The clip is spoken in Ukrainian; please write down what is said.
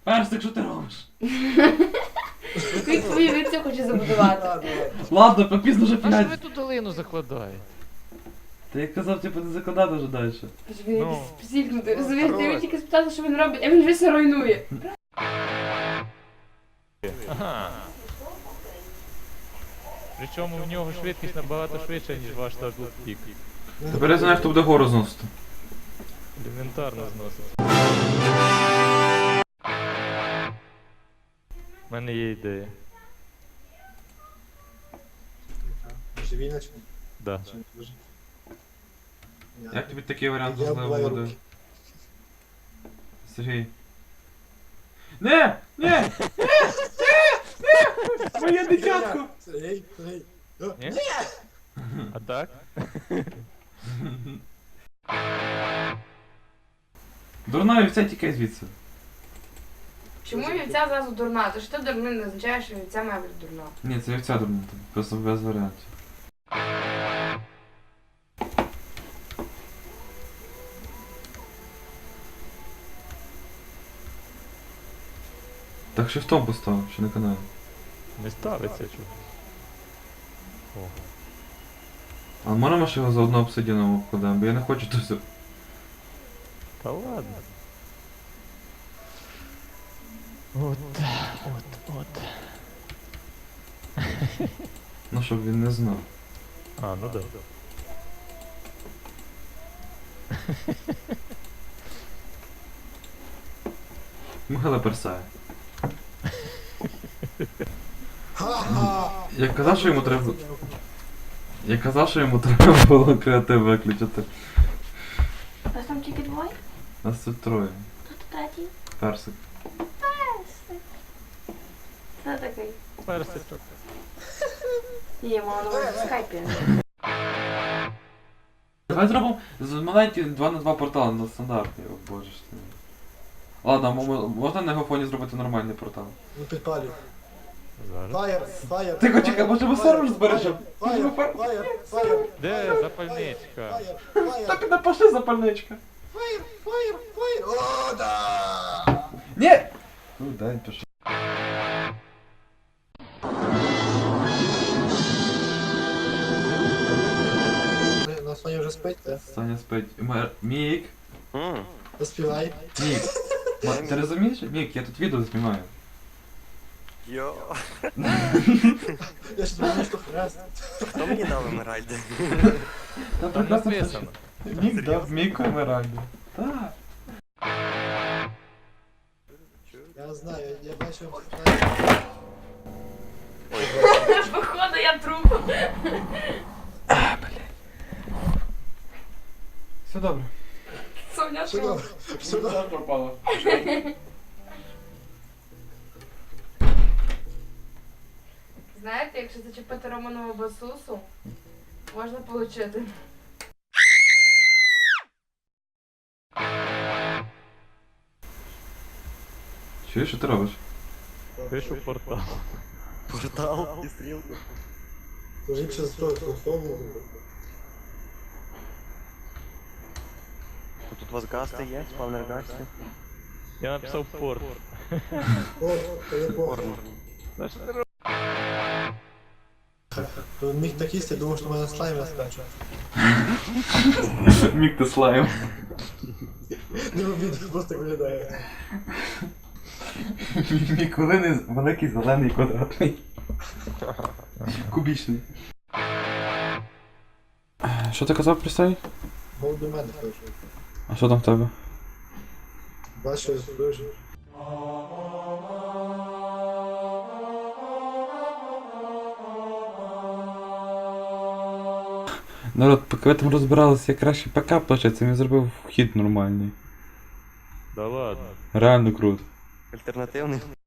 Персик, що ти робиш? Він твою віцю хоче забудувати. Ладно, попізно вже А що 5. ви тут долину закладаєте? Та я казав, типу, не закладати вже далі. Він Ну. якийсь психнутий. Розумієш, ти Хорош. його тільки спитати, що він робить, а він вже все руйнує. Ага. Причому в нього швидкість набагато швидша, ніж ваш даблпік. Тепер я знаю, хто буде гору зносити. Елементарно зносить. У мене є ідея. Живіночку? Да. Як тобі такий варіант Я можливо вбиваю буде? руки. Сергій. Не! Не! Моє дитятко! Сергій, Сергій. Ні? А так? Дурна вівця тікай звідси. Чому вівця зразу дурна? То що ти дурний не означає, що вівця має бути дурна. Ні, це вівця дурна, тут просто без варіантів. Так шифтом поставив, що на каналі. Не ставиться чого. О. А можемо ж його заодно обсидіаном обкладемо, бо я не хочу тут все. Та ладно. От. Ну, щоб він не знав. А, ну да. Михайло персає. Ха-ха! Я казав, що йому треба. Я казав, що йому треба було креатив виключити. Вас там тільки двоє? Нас тут троє. Хто тут третій? Персик. Це такий. Персичок. Ні, мало на увазі в скайпі. Давай зробимо з маленький 2 на 2 портал на стандартний, о боже ж ти. Ладно, можна на його фоні зробити нормальний портал? Ну підпалюй. Зараз. Фаєр, фаєр. Тихо, чекай, може ми сервер збережемо? Фаєр, фаєр, фаєр. Де запальничка? Фаєр, фаєр. Так, напиши запальничка. Фаєр, фаєр, фаєр. О, да! Ні! Ну, дай пиши. На Соня вже спить, так? Саня спить. Мік! Заспівай. Мік! Ти розумієш? Мік, я тут відео знімаю. Йо, Я ж думаю, що хрест. хто мені дав емеральди? Там Там написано. Мік дав Міку емеральду. Так. Я знаю, я бачив. Походу я труп. Все добре. Соня Все труп. добре, все добре. пропало. Знаєте, якщо зачепити Романову басусу, можна получити. Чуєш, що ти робиш? Пишу портал. Портал і стрілку. Тож якщо з того телефону. Тут у вас гасти є, спавнер гасти. Я написав порт. О, телефон. Порно. Та що ти робиш? Міг так їсти, думав, що в мене слайм я скачу. Мік ти слайм. Не обіду, просто виглядає. Мікулини великий зелений квадратний. Кубічний. Що ти казав про цей? Мов до мене хочу. А що там в тебе? Бачу, дуже. Народ, поки ви там розбиралися, я краще ПК плачеться, він зробив вхід нормальний. Да ладно. Реально круто. Альтернативний.